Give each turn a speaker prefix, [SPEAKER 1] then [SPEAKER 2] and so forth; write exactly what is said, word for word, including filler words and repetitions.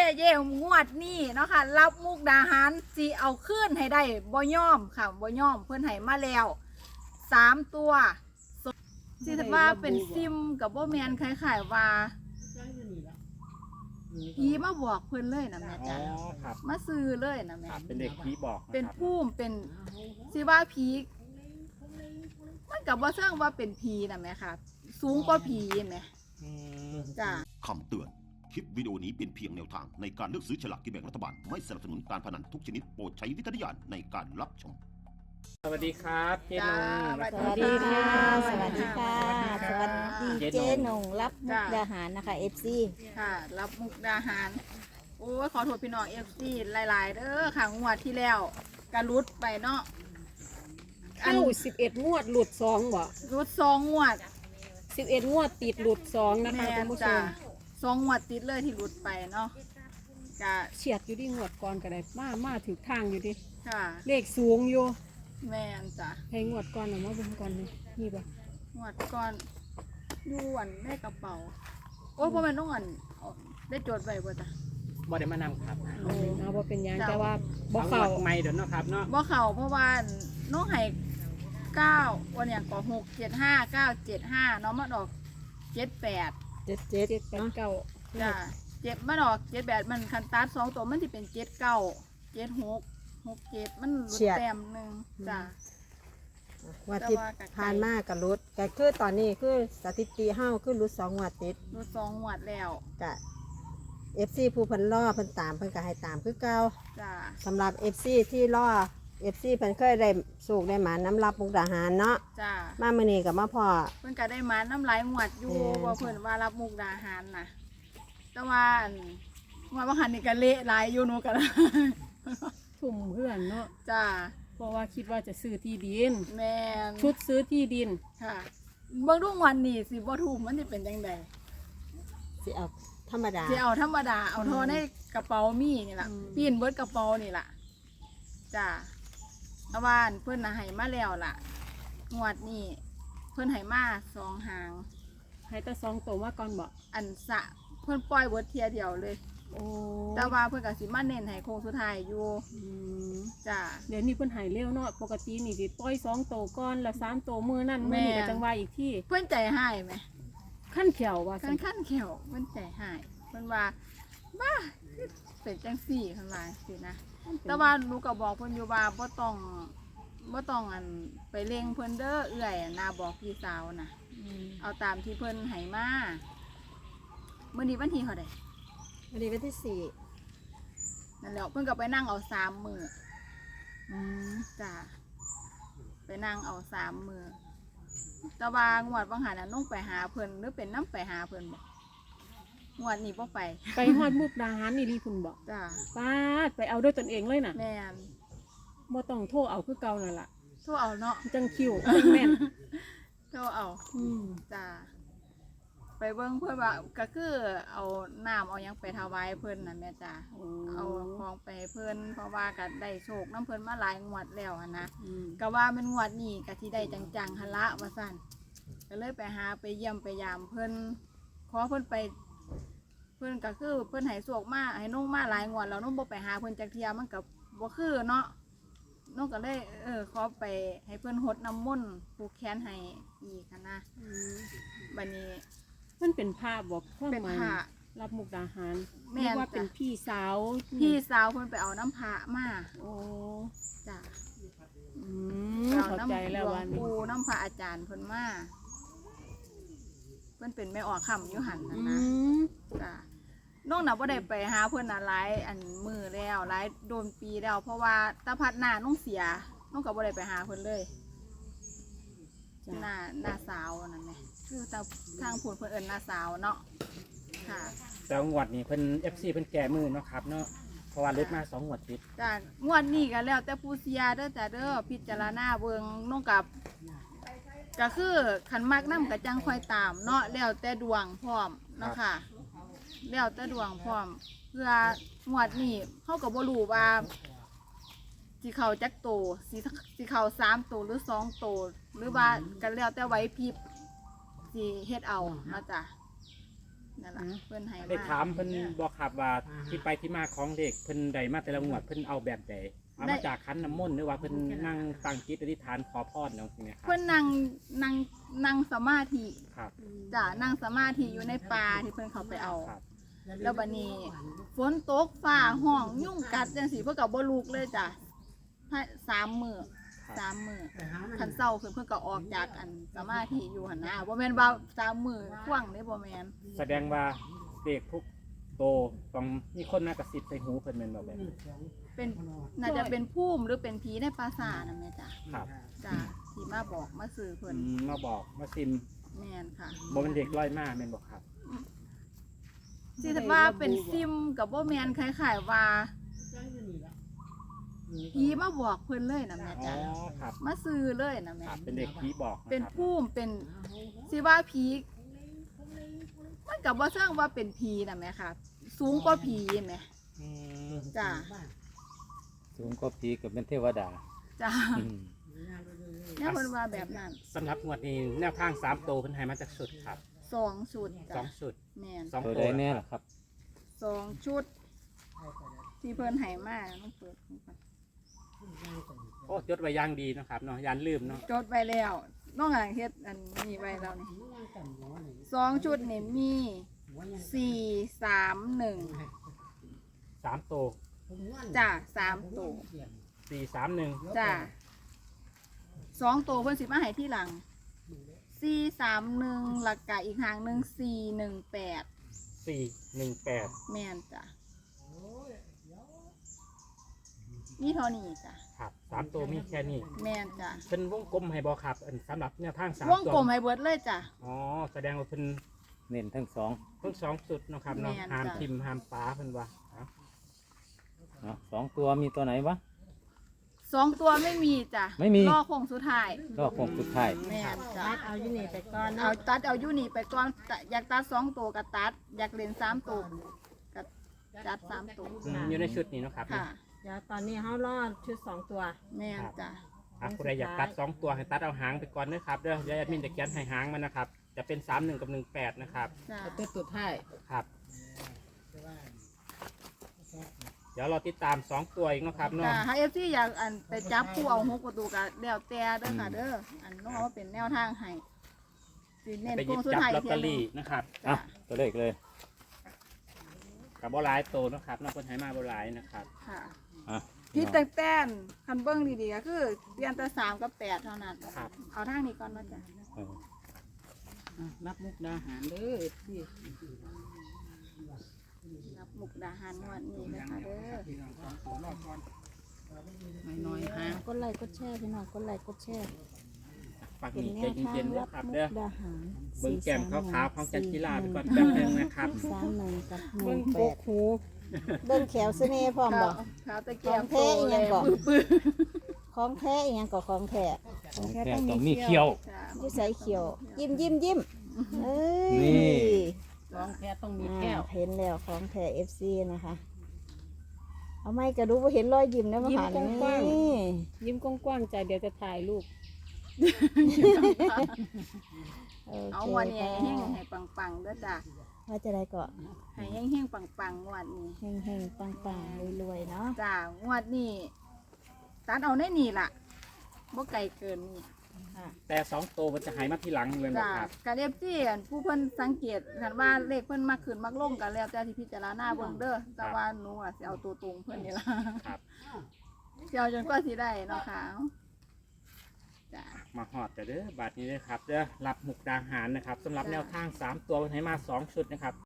[SPEAKER 1] เย่งวดนี่เนาะค่ะรับมุกดาหารสิเอาขึ้นให้ได้บ่ย่อมค่ะบ่ย่อมเพื่อนให้มาแล้วสามตัวสิถือว่าเป็นซิมกับบ่แมนคล้ายๆว่าผีมาบอกเพื่อนเลยนะแม่
[SPEAKER 2] อ๋
[SPEAKER 1] จ้ะ
[SPEAKER 2] อครับ
[SPEAKER 1] มาซื้อเลยนะแม่
[SPEAKER 2] ครับเป็นเด็กผีบอกะ
[SPEAKER 1] เป็น
[SPEAKER 2] ครับ
[SPEAKER 1] ผู้เป็นสิว่าผีมันกับว่าเสื่องว่าเป็นผีนะแม่ค่ะ สูงกว่าผีแม่
[SPEAKER 2] อืม
[SPEAKER 1] จ้ะ
[SPEAKER 3] คำเตือน คลิปวิดีโอนี้เป็นเพียงแนวทางในการเลือกซื้อฉลากกินแบ่งรัฐบาล ไม่สนับสนุนการพนันทุกชนิดโปรดใช้วิจารณญาณในการรับชม
[SPEAKER 2] สวัสดีครับเจ๊นง
[SPEAKER 1] จ้า
[SPEAKER 4] สวัสดีค่ะ สวัสดีค่ะ สวัสดี
[SPEAKER 2] เจ๊
[SPEAKER 4] เจ๊
[SPEAKER 2] นง
[SPEAKER 4] หนงรับมุกดาหารนะคะ เอฟซี
[SPEAKER 1] ค่ะ รับมุกดาหาร โอ้ยขอโทษพี่น้องเอฟซีหลาย ๆ เด้อค่ะงวดที่แล้วกระลุดไปเนาะอัน
[SPEAKER 5] เข้าสิบเอ็ดงวดหลุดสองบ่
[SPEAKER 1] รุดสองงวด
[SPEAKER 5] สิบเอ็ดงวดติดหลุดสองนะคะ
[SPEAKER 1] แม่
[SPEAKER 5] คุณผู้ช
[SPEAKER 1] จ้าม สองงวดติดเลยที่รุดไปเนาะกะ
[SPEAKER 5] เฉียดอยู่ที่งวดก่อนก็ได้มามาถือทางอยู่ดิ
[SPEAKER 1] ค่ะ
[SPEAKER 5] เลขสูงอยู่
[SPEAKER 1] แม่นจ้ะ
[SPEAKER 5] ให้งวดก่อนเอามาเบิ่งก่อนนี่นี่บ่
[SPEAKER 1] งวดก่อนอยู่อันในกระเป๋า โอ้ยเพราะมันต้องอันเอาได้จดไว้บ่จ้ะ
[SPEAKER 2] บ่ได้มานำครับ
[SPEAKER 5] เอาเอาบ่เป็นหยัง
[SPEAKER 1] จ้ะ
[SPEAKER 5] แต่ว่าบ่
[SPEAKER 2] เอา
[SPEAKER 5] เข้า
[SPEAKER 2] งวดใหม่เดี๋ยวเนาะครับเนาะ
[SPEAKER 1] บ่เข้าเพราะว่าน้องให้เก้าวันอย่างก็หกเจ็ดห้าเก้าเจ็ดห้าน้องมาดอกเจ็ดแปด
[SPEAKER 4] เจ็ดเจ็ด
[SPEAKER 5] เจ็ดแปดเก้า
[SPEAKER 1] จ้ะเจ็ดมาดอกเจ็ดแปดมันคันตัดสองตัวมันสิเป็นเจ็ดเก้าเจ็ดหกหกเจ็ดมันหลุดแต้มหนึ่งจ้ะ
[SPEAKER 4] วัดที่
[SPEAKER 1] แต่ว่าก็ไกล
[SPEAKER 4] ผ่านมากกับรุดก็คือตอนนี้คือสถิติเฮาคือรุดสองงวดติด
[SPEAKER 1] หลุดสองงวดแล้ว
[SPEAKER 4] กะเอฟซีผู้เพิ่นล่อเพิ่นตามเพิ่นก็ให้ตามคือเก่า
[SPEAKER 1] จ้ะ
[SPEAKER 4] สำหรับเอฟซีที่ล่อเอฟซีเพิ่นเคยได้สูกได้หมาน้ำรับมุกดาหารเนาะ
[SPEAKER 1] จ้ะ
[SPEAKER 4] มามื้อนี้ก็มาพอ
[SPEAKER 1] เพิ่นก็ได้มาน้ำลายงวดอยู่
[SPEAKER 4] แม่น
[SPEAKER 1] ว่าเพิ่นว่ารับมุกดาหารน่ะ แต่ว่าอันว่าบางหันนี่ก็เละหลายอยู่หนูก็
[SPEAKER 5] ทุ่มเพื่อนเนาะ
[SPEAKER 1] จ้ะ
[SPEAKER 5] เพราะว่าคิดว่าจะซื้อที่ดิน
[SPEAKER 1] แม่น
[SPEAKER 5] ชุดซื้อที่ดิน
[SPEAKER 1] ค่ะเบิ่งดูงวันนี้สิบ่ถูกมันสิเป็นจังได
[SPEAKER 4] สิเอาธรรมดา
[SPEAKER 1] สิเอาธรรมดาเอาเทอในกระเป๋ามีนี่ล่ะ
[SPEAKER 5] อืม
[SPEAKER 1] ปีนเบิดกระเป๋านี่ล่ะจ้ะแต่ว่าอันเพิ่นน่ะให้มาแล้วล่ะ งวดนี้เพิ่นให้มาสองหาง
[SPEAKER 5] ให้แต่สองตัวมาก่อนบ่
[SPEAKER 1] อันสะเพิ่นปล่อยเบิดเทียเดียวเลย
[SPEAKER 5] โอ้
[SPEAKER 1] แต่ว่าเพิ่นก็สิมาเน้นให้โค้งสุดท้ายอยู่
[SPEAKER 5] อืม
[SPEAKER 1] จ้ะ
[SPEAKER 5] เดี๋ยวนี้เพิ่นใหายเร็วเนาะปกตินี่สิปล่อยสองตัวก่อนแล้วสามตัวมือนั่นมือนี่
[SPEAKER 1] แม่
[SPEAKER 5] ก็จังว่าอีกที่
[SPEAKER 1] เพิ่นใจหายไหม
[SPEAKER 5] ขั้นเขียวว่า
[SPEAKER 1] ขั้นขั้นเขียวเพิ่นใจหายเพิ่นว่าบ้าเป็นจังสี่เพิ่นว่าสินะ แต่ว่าหนูก็บอกเพิ่นอยู่ว่าบ่ต้องบ่ต้องอันไปเร่งเพิ่นเด้อเอื้อยอะนาบอกพี่สาวนะ
[SPEAKER 5] อืม
[SPEAKER 1] เอาตามที่เพิ่นให้มามื้อนี้วันที่เท่าใด
[SPEAKER 4] วันนี้วันที่สี่
[SPEAKER 1] นั่นแหละเพิ่นก็ไปนั่งเอาสามมื้อ
[SPEAKER 5] อืม
[SPEAKER 1] จ้ะไปนั่งเอาสามมื้อแต่ว่างวดบางหันน่ะน้องไปหาเพิ่นหรือเป็นน้ำไปหาเพิ่นบ่งวดนี้บ่ไป
[SPEAKER 5] ไปฮอดมุกดาหารนี่รีคุณบอก
[SPEAKER 1] จ้ะ
[SPEAKER 5] ป้าดไปเอาด้วยตนเองเลยน่ะ
[SPEAKER 1] แม่น
[SPEAKER 5] บ่ต้องโทรเอาคือเก่านั่นล่ะ
[SPEAKER 1] โทรเอาเนาะ
[SPEAKER 5] จังคิวจังแม่น
[SPEAKER 1] โทรเอา
[SPEAKER 5] อืม
[SPEAKER 1] จ้าไปเบิ่งเพื่อนว่าก็คือเอาน้ำเอาหยังไปถวายเพิ่นน่ะแม่จ้า
[SPEAKER 5] โอ้
[SPEAKER 1] เอาของไปให้เพิ่นเพราะว่าก็ได้โชคน้ำเพิ่นมาหลายงวดแล้วหั้นนะ
[SPEAKER 5] อืม
[SPEAKER 1] ก็ว่าเป็นงวดนี้ก็ที่ได้จังๆหั่นละว่าซั่นก็เลยไปหาไปเยี่ยมไปยามเพิ่นขอเพิ่นไป เพิ่นก็คือเพิ่นให้โชคมาให้น้องมาหลายงวดแล้วน้องบ่ไปหาเพิ่นจักเที่ยมันก็บ่คือเนาะน้องก็เลยเออขอไปให้เพิ่นหดน้ำมนต์ผูกแขนให้อีกหั้นนะ
[SPEAKER 5] อืม
[SPEAKER 1] บัดนี้
[SPEAKER 5] มันเป็นภาพบอกความ
[SPEAKER 1] เป็น
[SPEAKER 5] หมาย
[SPEAKER 1] พระ
[SPEAKER 5] รับมุกดาหาร
[SPEAKER 1] แม่น
[SPEAKER 5] เรียกว่า
[SPEAKER 1] จ้ะ
[SPEAKER 5] เป็นพี่สาว
[SPEAKER 1] พี่สาวเพิ่นไปเอาน้ำพระมา
[SPEAKER 5] โอ้
[SPEAKER 1] จ้ะ
[SPEAKER 5] อืม
[SPEAKER 1] ไปเอา
[SPEAKER 5] เข้า
[SPEAKER 1] น้ำ
[SPEAKER 5] ใจแล้ว
[SPEAKER 1] หลว
[SPEAKER 5] วั
[SPEAKER 1] ง
[SPEAKER 5] นนี้
[SPEAKER 1] ปู่น้ำพระอาจารย์เพิ่นมาเพิ่นเป็นแม่ออกคำอยู่หันนั่น
[SPEAKER 5] อื
[SPEAKER 1] นะ
[SPEAKER 5] ม
[SPEAKER 1] จ้ะน้องน่ะบ่ได้ไปหาเพิ่นน่ะหลายอันมือแล้วหลายโดนปีแล้ว เพราะว่าตาพัดหน้าน้องเสียน้องก็บ่ได้ไปหาเพิ่นเลยห
[SPEAKER 5] จ้ะ
[SPEAKER 1] น้าหน้าสาวนั่นแหละคือตาทางพูดเพิ่นเอิ้นหน้าสาวเนาะค่ะ
[SPEAKER 2] แล้วงวดนี้เพิ่น เอฟ ซี เพิ่นแก่มือเนาะครับเนาะเพราะว่าลดมาสองงวดติด
[SPEAKER 1] จ้ะงวดนี้ก็แล้วแต่ผู้เสียเด้อจ้ะเด้อพิจารณาเบิ่งน้องกับ ก็คือขันมากน้ำกระจังคอยตามเนาะแล้วแต่ดวงพร้อมเนาะค่ะแล้วแต่ดวงพร้อม เพื่องวดนี้เขาก็บ่รู้ว่าสิเขาจักโตสิสิเขาสามโตหรือสองโตหรือว่ากันแล้วแต่ไหวพริบสิเฮ็ดเอาเนาะจ้ะนั่นล่ะเพิ่นให้
[SPEAKER 2] ได้
[SPEAKER 1] มา
[SPEAKER 2] ถามเพิ่นบอกครับว่าที่ไปที่มาของเด็กเพิ่นใดมาแต่ละงวดเพิ่นเอาแบบใดเอามาจากคันน้ำมนต์หรือว่าเพิ่นนั่งตั้งจิตอธิษฐานขอพรเนาะใช่ไหมครับ
[SPEAKER 1] เพิ่นนั่งนั่งนั่งสมาธิ
[SPEAKER 2] ครับ
[SPEAKER 1] จ้ะนั่งสมาธิอยู่ในป่าที่เพิ่นเขาไปเอา
[SPEAKER 2] ครับ
[SPEAKER 1] แล้วบัดนี้ฝนตกฟ้าห้องยุ่งกัดจังซี่เพิ่นก็บ่ลุกเลยจ้ะให้สามมื้อสามมื้อคันเช้าขึ้นเพิ่นก็ออกจากอันสมาธิอยู่หั่นนะบ่แม่นว่าสามมื้อควางเด้บ่แม่น
[SPEAKER 2] แสดงว่าเด็กทุกโตต้องมีคนมากระซิบใส่หูเพิ่นแม่นบ่แบบ
[SPEAKER 1] เป็นน่าจะเป็นภูมิหรือเป็นผีในปราสาทนั่นแหละจ้ะ
[SPEAKER 2] ครับ
[SPEAKER 1] จ้ะที่มาบอกมาสื่อเพิ่น
[SPEAKER 2] อืมมาบอกมาซิม
[SPEAKER 1] แม่นค่ะ
[SPEAKER 2] บ่เป็นเด็กร้อยมาแม่นบ่ครับ
[SPEAKER 1] สิว่าเป็นซิมกับบ่แม่นคล้ายๆว่าผีมาบอกเพิ่นเลยนะแม่
[SPEAKER 2] อ๋อ
[SPEAKER 1] จ้ะ
[SPEAKER 2] ครับ
[SPEAKER 1] มาซื้อเลยนะแม่
[SPEAKER 2] ครับเป็นเด็กผีบอกะครับ
[SPEAKER 1] เป็นภูมิเป็นสิว่าผีมันกับว่าเชิงว่าเป็นผีนะแม่ค่ะ สูงกว่าผีแม่
[SPEAKER 2] อืม
[SPEAKER 1] จ้ะ
[SPEAKER 6] สูงก็ผีกับเป็นเทวดา
[SPEAKER 1] จ้ะ
[SPEAKER 6] อืม
[SPEAKER 1] เนี่ยเพิ่นว่าแบบนั้น
[SPEAKER 2] สำหรับงวดนี้แนวทางสามโตเพิ่นให้มาจากชุดครับ
[SPEAKER 1] สองชุด
[SPEAKER 2] ส
[SPEAKER 1] จ้ะ
[SPEAKER 2] องชุด
[SPEAKER 1] แม่น
[SPEAKER 2] สอง
[SPEAKER 6] ตัว
[SPEAKER 2] โต
[SPEAKER 6] ใดแน่ล่ะครับ
[SPEAKER 1] สองชุด ที่เพิ่นให้มาต้องเปิดให้ก่อน
[SPEAKER 2] โอ้จดไว้อย่างดีเนาะครับเนาะยานลืมเนาะ
[SPEAKER 1] จดไว้แล้วน้องอ่างเฮ็ดอันนี้ไว้แล้วนี่สองชุดนี่มีสี่สามหนึ่ง
[SPEAKER 2] สามโต
[SPEAKER 1] จ้ะสามตัว
[SPEAKER 2] สี่สามหนึ่ง
[SPEAKER 1] จ้ะสองตัวเพิ่นสิมาให้ที่หลังสี่สามหนึ่งหลักกะอีกหางหนึ่งสี่หนึ่งแปด
[SPEAKER 2] สี่หนึ่งแปด
[SPEAKER 1] แม่นจ้ะนี่เท่านี้จ้ะ
[SPEAKER 2] ครับสามโตมีแค่นี้
[SPEAKER 1] แม่นจ้ะ
[SPEAKER 2] เป็นวงกลมให้บอครับอันสำหรับแนวทางสาม
[SPEAKER 1] วง
[SPEAKER 2] ตัว
[SPEAKER 1] กลมให้เบิดเลยจ้ะ
[SPEAKER 2] อ๋อแสดงว่าเป็น
[SPEAKER 6] เน้นทั้งสอง
[SPEAKER 2] ทั้งสองสุดเนาะครับเนาะ
[SPEAKER 1] แม่น
[SPEAKER 2] ห้าม
[SPEAKER 1] จ้ะ
[SPEAKER 2] ทิมห้ามป้าเพิ่นว่าเอา
[SPEAKER 6] เนาะสองตัวมีตัวไหนวะ
[SPEAKER 1] สองตัวไม่มีจ้ะ
[SPEAKER 6] ไม่มี
[SPEAKER 1] รอโค้งสุดท้าย
[SPEAKER 6] ก็คงสุดท้าย
[SPEAKER 1] แม่นจ้ะ
[SPEAKER 4] ตัดเอาอยู่นี่ไปก่อน
[SPEAKER 1] เอา
[SPEAKER 4] เนาะ
[SPEAKER 1] ตัดเอาอยู่นี่ไปก่อนแต่อยากตัดสองตัวก็ตัด อยากเล่นสามตัวก็จัดสามตัว
[SPEAKER 2] อืมอยู่ในชุดนี้เนาะครับ
[SPEAKER 1] ค่ะ
[SPEAKER 4] เดี๋ยวตอนนี้เขารอดชุดสองตัว
[SPEAKER 1] แม่นจ้ะ
[SPEAKER 2] อ่ะผู้ใดอยากตัดสองตัวให้ตัดเอาหางไปก่อนนะครับเด้อเดี๋ยวแอดมินจะเขียนให้หางมันนะครับ จะเป็นสามหนึ่งกับหนึ่งแปดนะครับ
[SPEAKER 1] จ้ะ
[SPEAKER 7] ตัวสุดท้าย
[SPEAKER 2] ครับ เดี๋ยวเราติดตามสองตัวอีกเนาะครับเนาะ
[SPEAKER 1] จ้ะถ้าเอฟซีอยากอันไปจับผู้เอาหกประตูก็แล้วแต่เด้อค่ะเด้ออันน้องเอาว่าเป็นแนวทางให้สิเน้น
[SPEAKER 2] ไปห
[SPEAKER 1] โค้
[SPEAKER 2] ยิ
[SPEAKER 1] ง
[SPEAKER 2] บ
[SPEAKER 1] สุด
[SPEAKER 2] จับ
[SPEAKER 1] ท้าย
[SPEAKER 2] ลอต
[SPEAKER 1] เที
[SPEAKER 2] เต
[SPEAKER 1] ย
[SPEAKER 2] อน รี่นะครับ
[SPEAKER 6] อ่ะ
[SPEAKER 1] จ้ะ
[SPEAKER 6] ตัวเลขเลย
[SPEAKER 2] กับบอลายโตนะครับนอกคนไทยมาบอลายนะครับ
[SPEAKER 1] ค่ะ
[SPEAKER 6] อ่ะ
[SPEAKER 1] พิษแต่งแต่นคันเบิ้งดีๆก็คือเปลี่ยนแต่สามกับแปดเท่านั้น
[SPEAKER 2] ครับ
[SPEAKER 1] เอาทางนี้ก่อนเนาะจ้ะ
[SPEAKER 6] เออ
[SPEAKER 7] อ่ะรับมุกดาหารเด้อที่
[SPEAKER 1] รับมุกดาหารงวดนี้นะคะเด้อ
[SPEAKER 7] น้อยๆหาง
[SPEAKER 8] กดไลค์กดแชร์พี่น้องกดไลค์กดแชร์
[SPEAKER 2] ฝาก
[SPEAKER 8] เป็น
[SPEAKER 2] มี
[SPEAKER 8] แน
[SPEAKER 2] ใจ
[SPEAKER 8] วทาง
[SPEAKER 2] เย็นๆ
[SPEAKER 8] รั
[SPEAKER 2] นะ
[SPEAKER 8] บ
[SPEAKER 2] ครับ
[SPEAKER 8] มุ
[SPEAKER 2] เด้อก
[SPEAKER 8] ดาหาร
[SPEAKER 2] เบิ้งแก้มขาวๆของจันจิลาไปก่อน
[SPEAKER 8] สี่
[SPEAKER 2] แป๊บนึงนะครับ
[SPEAKER 8] สามหนึ่งกับห
[SPEAKER 4] เบิ่
[SPEAKER 8] นึ่
[SPEAKER 4] ง
[SPEAKER 8] งแป
[SPEAKER 4] ก
[SPEAKER 8] ด
[SPEAKER 4] กหูเบิ่งแขวเสน่ห์พร้อมบ่
[SPEAKER 1] ขาวตะเกียบ
[SPEAKER 4] ของแท้อีหยังก่อน
[SPEAKER 1] ปื้อ
[SPEAKER 4] ของแท้อีหยังก็ของแท้
[SPEAKER 6] ของแท้ต้องมีเขี้ยว
[SPEAKER 1] ๆจ้ะ
[SPEAKER 4] อยู่ใส่เขียว ยิ้มยิ้มยิ้มเอ้ย
[SPEAKER 6] นี่
[SPEAKER 7] ร้องแค่ต้องมี
[SPEAKER 4] อ่า
[SPEAKER 7] แก้ว
[SPEAKER 4] เห็นแล้วของแท้ เอฟ ซี นะคะ เอาไม่กระดูกว่าเห็นรอยยิ้มแล้วมา
[SPEAKER 5] ยิ้ม
[SPEAKER 4] ผ่าน
[SPEAKER 5] กว้าง
[SPEAKER 4] นี่
[SPEAKER 5] ๆยิ้มกว้างๆใจเดี๋ยวจะถ่ายรูป
[SPEAKER 4] โอ
[SPEAKER 1] เอา
[SPEAKER 4] เค
[SPEAKER 1] งวดนี้
[SPEAKER 4] ค่ะ
[SPEAKER 1] ให้เฮงให้ปังๆเด้อจ้ะ
[SPEAKER 4] ว่าจะได้ก็
[SPEAKER 1] ให้เฮงเฮงๆปังๆงวดนี้
[SPEAKER 4] เฮงเฮงๆปังปังๆรวยๆเนาะ
[SPEAKER 1] จ้างวดนี้ตัดเอาในนี่ล่ะบ่ไกลเกินนี่
[SPEAKER 2] แต่สองโตมันจะหายมาทีหลังเลยนะ
[SPEAKER 1] จ้า
[SPEAKER 2] ครับ
[SPEAKER 1] กะเรียบจี้อันผู้เพิ่นสังเกตคันว่าเลขเพิ่นมักขึ้นมักลงกันแล้วแต่ที่พิจารณาเบิ่งเด้อแต่ว่าหนูอ่ะสิเอาตัวตรงเพิ่นนี่ล่ะ
[SPEAKER 2] ครับ
[SPEAKER 1] สิเอาจนกว่าสิได้เนาะค่ะจ้า
[SPEAKER 2] มาหอดแต่เด้อบาทนี้เลยครับเด้อรับมุกดาหารนะครับสำหรับแนวทางสามตัวมันให้มาสองชุดนะครับ